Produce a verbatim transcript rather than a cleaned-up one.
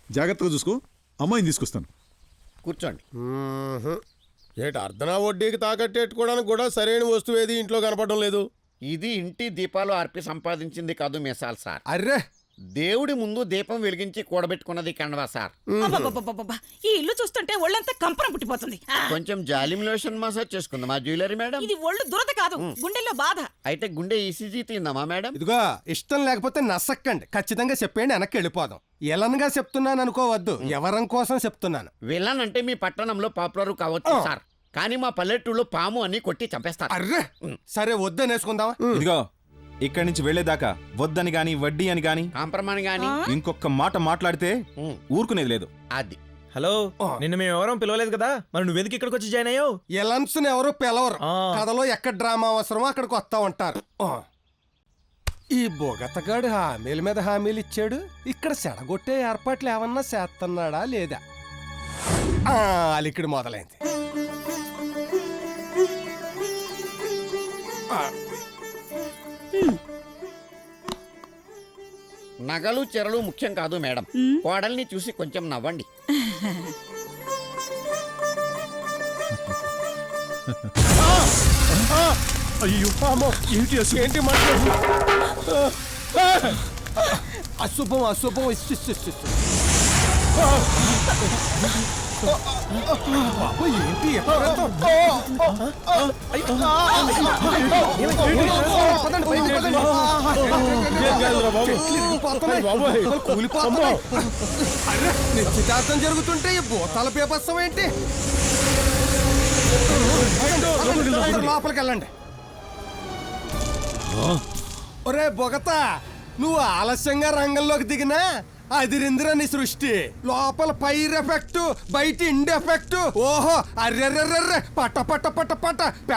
జాగ్రత్తగా చూసుకో. అమ్మాయిని తీసుకొస్తాను. కూర్చోండి. ఏటి అర్ధనా వడ్డీకి తాకట్టెట్టుకోవడానికి కూడా సరైన వస్తువు ఏది ఇంట్లో కనపడడం లేదు. ఇది ఇంటి దీపాలు ఆర్పి సంపాదించింది కాదు మిసాల్ సార్. అర్రే, దేవుడి ముందు దీపం వెలిగించి కూడబెట్టుకున్నది కండవా సార్. అబ్బబ్బబ్బబ్బబ్బా, ఈ ఇల్లు చూస్తుంటే ఒళ్ళంతా కంపనం పుట్టిపోతుంది. ఆ, కొంచెం జాలిం లోషన్ మసాజ్ చేసుకుందాం మా జ్యువెలరీ మేడం. ఇది ఒళ్ళు దురద కాదు, గుండెల్లో బాధ. అయితే గుండె ఈసీజీ తిందామా మేడం? ఇదిగో ఇష్టం లేకపోతే నసక్కండి, ఖచ్చితంగా చెప్పేయండి, వెనక్కి వెళ్ళిపోదాం. ఎలన్గా చెప్తున్నాను అనుకోవద్దు, ఎవరం కోసం చెప్తున్నాను. విలన్ అంటే మీ పట్టణంలో పాపులర్ కావచ్చు సార్, కానీ మా పల్లెటూరులో పాము అని కొట్టి చంపేస్తారు. అర్రే, సరే వద్దనేసుకుందామా? ఇదిగో ఇక్కడి నుంచి వెళ్లేదాకా వద్దని గాని వడ్డీ అని గాని కాంప్రమాణ్ గాని ఇంకొక మాట మాట్లాడితే ఊరుకునేది లేదు. అది హలో, నిన్ను మేము ఎవరం పిలవలేదు కదా, మరి నువ్వెందుకు ఇక్కడికి వచ్చి జాయిన్ అయ్యావు? ఎలన్స్ ఎవరు పిలవరు, ఆ. కథలో ఎక్కడ డ్రామా అవసరమో అక్కడికి వస్తా ఉంటారు. ఆ. ఈ బొగతగాడు హామీల మీద హామీలు ఇచ్చాడు, ఇక్కడ సెడగొట్టే ఏర్పాట్లు ఏమన్నా చేస్తున్నాడా లేదా? ఆ, అలికిడి మొదలైంది. ఆ. నగలు చెరలు ముఖ్యం కాదు మేడం, కోడల్ని చూసి కొంచెం నవ్వండి. అయ్యో ఏంటి అసలు? ఏంటి మాట్లాడు? అశుభం అశుభం. ఇస్ ఇస్ ఇస్ ఇస్. బాబు ఏంటి ఎక్కడ? పదండి, పైకి పదండి. కూలిపోతున్నాయి. అరే, నిశ్చితార్థం జరుగుతుంటే ఈ భూతాల బీభత్సం ఏంటి? లోపలికి వెళ్ళండి. ఒరే బొగతా, నువ్వు ఆలస్యంగా రంగంలోకి దిగినా అదిరిందిరా నీ సృష్టి. లోపల పైర్ ఎఫెక్ట్, బయట ఇండ్ ఎఫెక్ట్. ఓహో, అర్రెర్రెర్రె, పట్ట పట్ట పట్ట పట్ట